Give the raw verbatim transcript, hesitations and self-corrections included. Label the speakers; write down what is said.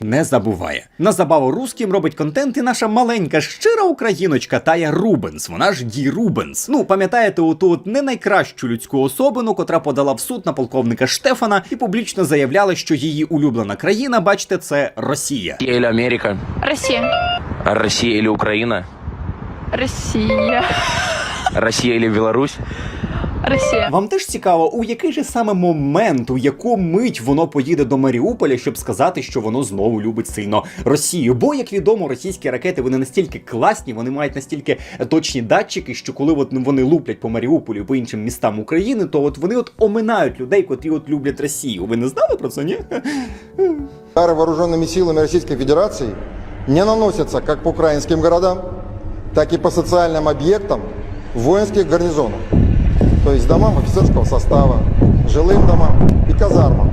Speaker 1: не забуває. На забаву русським робить контент і наша маленька щира україночка Тая Рубенс, вона ж Ді Рубенс. Ну, пам'ятаєте оту от не найкращу людську особину, котра подала в суд на полковника Штефана і публічно заявляла, що її улюблена країна, бачите, це Росія.
Speaker 2: Россия или Америка?
Speaker 3: Россия.
Speaker 2: А Россия или Украина?
Speaker 3: Россия.
Speaker 2: Россия или Беларусь?
Speaker 3: Россия.
Speaker 1: Вам теж цікаво, у який же саме момент, у яку мить воно поїде до Маріуполя, щоб сказати, що воно знову любить сильно Росію? Бо, як відомо, російські ракети, вони настільки класні, вони мають настільки точні датчики, що коли от вони луплять по Маріуполю і по іншим містам України, то от вони от оминають людей, котрі от люблять Росію. Ви не знали про це, ні?
Speaker 4: Удары вооруженными силами Российской Федерации не наносятся как по украинским городам, так и по социальным объектам воинских гарнизонов, то есть домам офицерского состава, жилым домам и казармам.